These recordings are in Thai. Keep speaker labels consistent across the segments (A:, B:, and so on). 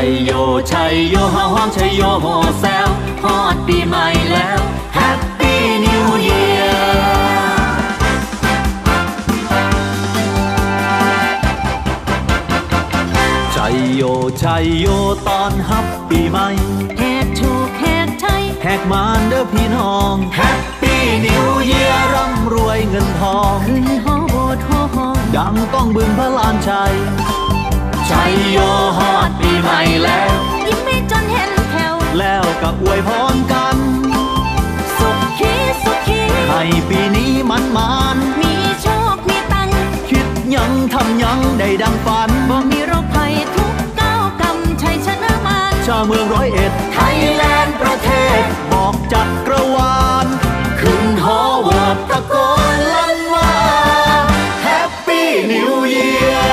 A: ยโยชัยโยฮาฮ้องชัยโยโฮแซวฮอดปีใหม่แล้ว Happy New Year ชัยโยชัยโยตอนฮับปีใหม่
B: แหกโชคแหกไทย
A: แหกมานเด้อพี่น้อง Happy New Year ร่ำรวยเงินทอง
B: ขึ้นฮอโบดฮอฮอง
A: ดังก้องบึงพระลานชัยชัยโยฮอดปีใหม่แล้ว
B: ยิ้มไม่จนเห็นแถว
A: แล้วก็อวยพรกัน
B: สุขีสุขี
A: ให้ปีนี้มัน
B: มีโชคมีตัง
A: คิดยังทำยังได้ดังฝัน
B: บ่มีโรคภัยทุกก้าวกำชัยชนะมาร
A: ชาวเมือง101ไทยแลนด์ประเทศบอกจักรวาลขึ้นหอโหวตตะโกนลั่นว่า Happy New Year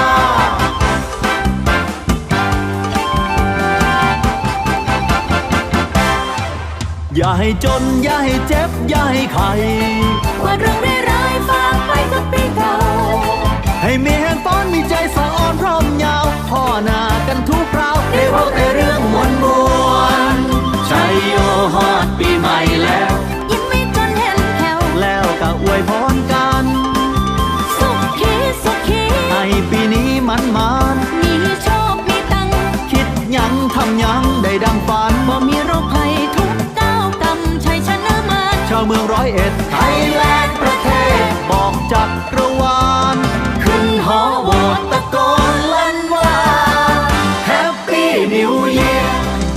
A: อย่าให้จนอย่าให้เจ็บอย่าให้ไข้
B: ว่าเรื่องร้ายๆฝากไปกับปีเก่า
A: ให้มีแห่งฟ้อนมีใจสะอ่อนพร้อมยาวพ่อหน้ากันทุกคราวได้พบแต่เรื่องมวลชัยโยฮอดปีใหม่แล้ว
B: ยิ้มไม่จนเห็นแถว
A: แล้วก็อวยพรกัน
B: สุขีสุขี
A: ให้ปีนี้มัน
B: มีโชคมีตัง
A: คิดยังทำยังได้ดังฝัน
B: บ่มีโรคภัยทุกก้าวกำชัยชนะมาร
A: ชาวเมือง101ไทยแลนด์ประเทศบอกจักรวาลขึ้นหอโหวตตะโกนลั่นว่า Happy New Year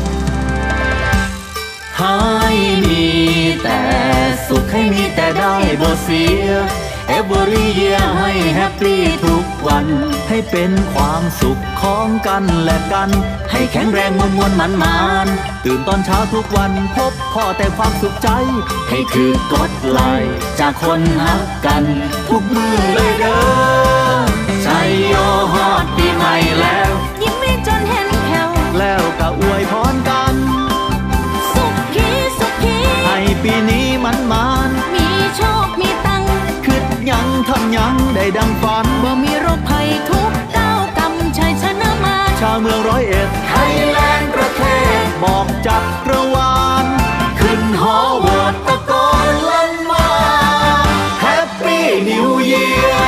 A: ให้มีแต่สุขให้มีแต่ได้บ่เสีย Every year ให้แฮปปี้ทุกวันให้เป็นความสุขของกันและกันให้แข็งแรงมวลมันตื่นตอนเช้าทุกวันพบพ่อแต่ความสุขใจให้คือกดไลค์จากคนฮักกันทุกมือเลยเด้อชัยโยฮอดปีใหม่แล้ว
B: ยิ้มไม่จนเห็นแถว
A: แล้วก็อวยพรกัน
B: สุขีสุขี
A: ให้ปีนี้มัน
B: มีโชคมีตัง
A: คิดยังทำยังได้ดังฝัน
B: บ่มีโรคภัยทุกก้าวกำชัยชนะมาร
A: ชาวเมือง101ไทยแลนด์ประเทศบอกจักรวาลขึ้นหอโหวตตะโกนลั่นว่า Happy New Year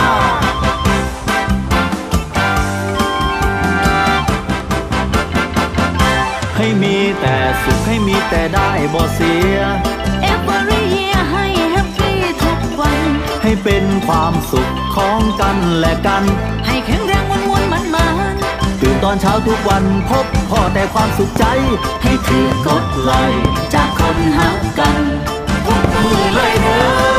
A: ให้มีแต่สุขให้มีแต่ได้บ่เสีย
B: Every year ให้แฮปปี้ทุกวัน
A: ให้เป็นความสุขของกันและกัน
B: ให้แข็งแรงมวลมัน
A: ตื่นตอนเช้าทุกวันพบพ่อแต่ความสุขใจให้คือกดไลค์จากคนฮักกันทุกมือเลยเด้อ